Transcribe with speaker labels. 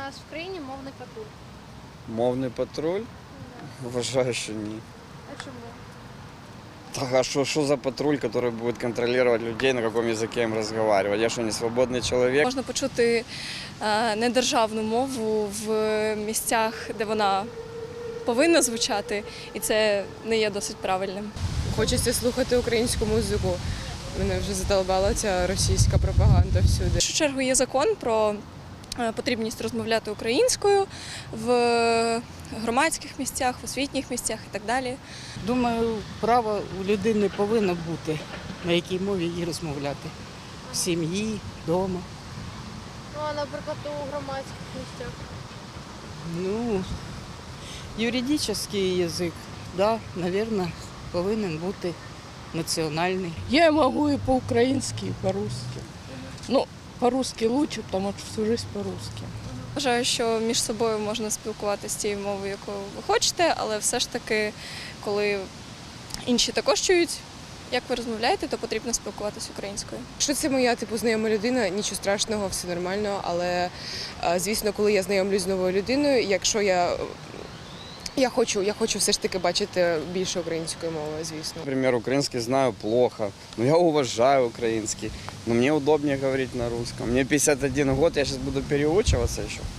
Speaker 1: нас в країні мовний патруль?
Speaker 2: Мовний патруль? Вважаю, що ні.
Speaker 1: А чому?
Speaker 2: Так, а що за патруль, який буде контролювати людей, на якому язикі їм розмовляти? Я що, не свободний чоловік?
Speaker 3: Можна почути недержавну мову в місцях, де вона повинна звучати, і це не є досить правильним.
Speaker 4: Хочеться слухати українську музику. Мене вже задолбала ця російська пропаганда всюди.
Speaker 3: В першу чергу є закон про потрібність розмовляти українською в громадських місцях, в освітніх місцях і так далі.
Speaker 5: Думаю, право у людини повинно бути, на якій мові їй розмовляти. В сім'ї, вдома.
Speaker 1: Ну, а наприклад, у громадських місцях?
Speaker 5: Ну, юридичний язик, да, мабуть, повинен бути національний.
Speaker 6: Я могу и по-украински, и по-русски. Ну, по-русски лучше, потому что всю жизнь по-русски.
Speaker 3: Вважаю, що між собою можна спілкуватися тією мовою, якою ви хочете, але все ж таки, коли інші також чують, як ви розмовляєте, то потрібно спілкуватися українською.
Speaker 4: Якщо це моя знайома людина, нічого страшного, все нормально, але, звісно, коли я знайомлюсь з новою людиною, якщо я хочу все ж таки бачити більше української мови, звісно.
Speaker 2: Например, украинский знаю плохо, но я уважаю украинский. Но мне удобнее говорить на русском. Мне 51 год, я сейчас буду переучиваться еще.